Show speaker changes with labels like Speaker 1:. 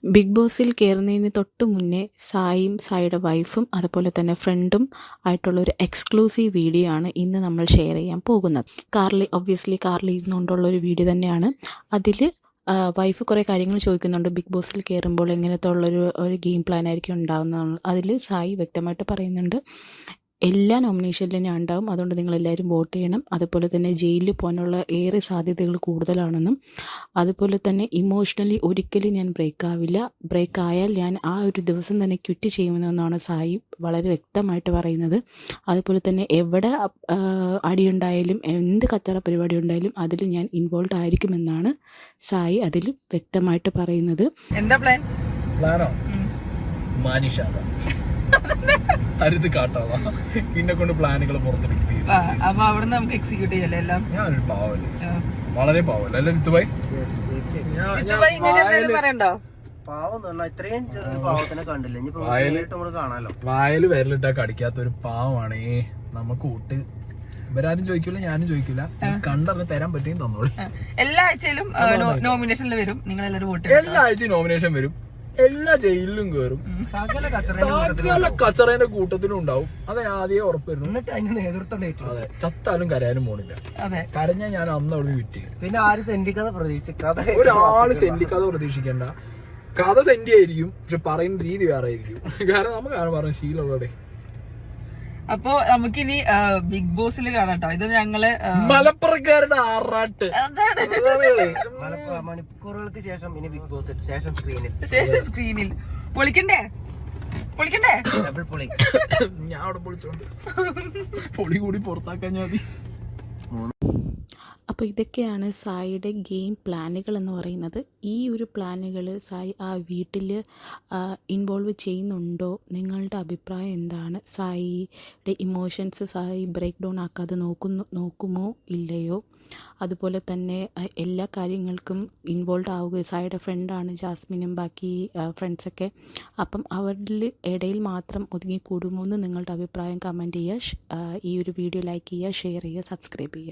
Speaker 1: Big ബോസിൽ കയറുന്നതിന് തൊട്ട് മുന്നേ സായിയും സായിയുടെ വൈഫും അതുപോലെ തന്നെ ഫ്രണ്ടും ആയിട്ടുള്ളൊരു എക്സ്ക്ലൂസീവ് വീഡിയോ ആണ് ഇന്ന് നമ്മൾ ഷെയർ ചെയ്യാൻ പോകുന്നത്. കാറിൽ ഇരുന്നുകൊണ്ടുള്ളൊരു വീഡിയോ തന്നെയാണ്. അതിൽ വൈഫ് കുറേ കാര്യങ്ങൾ ചോദിക്കുന്നുണ്ട്. ബിഗ് ബോസിൽ കയറുമ്പോൾ എങ്ങനത്തെ ഒരു ഗെയിം പ്ലാൻ ആയിരിക്കും ഉണ്ടാകുന്നതാണ്. അതിൽ സായി വ്യക്തമായിട്ട് പറയുന്നുണ്ട്, എല്ലാ നോമിനേഷനിലും ഞാൻ ഉണ്ടാവും, അതുകൊണ്ട് നിങ്ങളെല്ലാവരും വോട്ട് ചെയ്യണം. അതുപോലെ തന്നെ ജയിലിൽ പോകാനുള്ള ഏറെ സാധ്യതകൾ കൂടുതലാണെന്നും, അതുപോലെ തന്നെ ഇമോഷണലി ഒരിക്കലും ഞാൻ ബ്രേക്ക് ആയാൽ ഞാൻ ആ ഒരു ദിവസം തന്നെ ക്വിറ്റ് ചെയ്യുമെന്നാണ് സായി വളരെ വ്യക്തമായിട്ട് പറയുന്നത്. അതുപോലെ തന്നെ എവിടെ അടിയുണ്ടായാലും എന്ത് കച്ചറ പരിപാടി ഉണ്ടായാലും അതിൽ ഞാൻ ഇൻവോൾവ് ആയിരിക്കുമെന്നാണ് സായി അതിൽ വ്യക്തമായിട്ട് പറയുന്നത്.
Speaker 2: എന്താ
Speaker 3: പ്ലാനോ അരുത് കാട്ടാവാ എന്നെ കൊണ്ട് പ്ലാനുകൾ പുറത്തെടുക്കുകയും
Speaker 2: അപ്പൊ അവിടെ നമുക്ക് എക്സിക്യൂട്ട് ചെയ്യല്ലേ എല്ലാം.
Speaker 3: ഞാനൊരു പാവല്ലേ, വളരെ പാവല്ലേ അല്ലെ വിത്തുബായി?
Speaker 2: പറയണ്ടോ?
Speaker 3: വായല് വിരലിട്ടാ കടിക്കാത്ത ഒരു പാവമാണ്. നമുക്ക് ഊട്ട് ഇവരാരും ചോദിക്കൂല, ഞാനും ചോദിക്കൂല, കണ്ടറിഞ്ഞ് തരാൻ പറ്റും തന്നോളൂ.
Speaker 2: എല്ലാ ആഴ്ചയിലും നോമിനേഷനിൽ വരും, നിങ്ങൾ എല്ലാവരും വോട്ട്.
Speaker 3: എല്ലാ ആഴ്ചയും നോമിനേഷൻ വരും, എല്ലാ ജയിലിലും കയറും, സകല കച്ചറേന്റെ കൂട്ടത്തിലും ഉണ്ടാവും. അത് ആദ്യമേ ഉറപ്പായിരുന്നു. അതെ, ചത്താലും കരയാനും പോണില്ല. കരഞ്ഞാൽ ഞാൻ അന്ന് അവിടെ വിറ്റ്.
Speaker 4: പിന്നെ ആരും സെന്റിക്കഥ പ്രതീക്ഷിക്കാതെ,
Speaker 3: ഒരാള് സെന്റിക്കഥ പ്രതീക്ഷിക്കണ്ട. കഥ സെന്റി ആയിരിക്കും, പക്ഷെ പറയുന്ന രീതി വേറെ ആയിരിക്കും. കാരണം നമുക്ക് ആരും പറഞ്ഞ ശീലമുള്ളടെ.
Speaker 2: അപ്പൊ നമുക്കിനി ബിഗ് ബോസിൽ കാണാട്ടോ. ഇത് ഞങ്ങള്
Speaker 3: മലപ്പുറക്കാരുടെ ആറാട്ട്
Speaker 4: മണിക്കൂറുകൾക്ക് ശേഷം ഇനി ബിഗ് ബോസ് ശേഷം സ്ക്രീനിൽ
Speaker 2: പൊളിക്കണ്ടേ
Speaker 3: ഞാൻ അവിടെ പൊളിച്ചോണ്ട് പൊളി കൂടി പുറത്താക്കാൻ ഞാൻ.
Speaker 1: അപ്പോൾ ഇതൊക്കെയാണ് സായിയുടെ ഗെയിം പ്ലാനുകൾ എന്ന് പറയുന്നത്. ഈ ഒരു പ്ലാനുകൾ സായി ആ വീട്ടിൽ ഇൻവോൾവ് ചെയ്യുന്നുണ്ടോ? നിങ്ങളുടെ അഭിപ്രായം എന്താണ്? സായിയുടെ ഇമോഷൻസ് സായി ബ്രേക്ക് ഡൗൺ ആക്കാതെ നോക്കുമോ ഇല്ലയോ? അതുപോലെ തന്നെ എല്ലാ കാര്യങ്ങൾക്കും ഇൻവോൾവ് ആവുക. സായിയുടെ ഫ്രണ്ടാണ് ജാസ്മിനും ബാക്കി ഫ്രണ്ട്സൊക്കെ. അപ്പം അവരുടെ ഇടയിൽ മാത്രം ഒതുങ്ങിക്കൂടുമോ എന്ന് നിങ്ങളുടെ അഭിപ്രായം കമൻറ്റ് ചെയ്യുക. ഈ ഒരു വീഡിയോ ലൈക്ക് ചെയ്യുക, ഷെയർ ചെയ്യുക, സബ്സ്ക്രൈബ് ചെയ്യുക.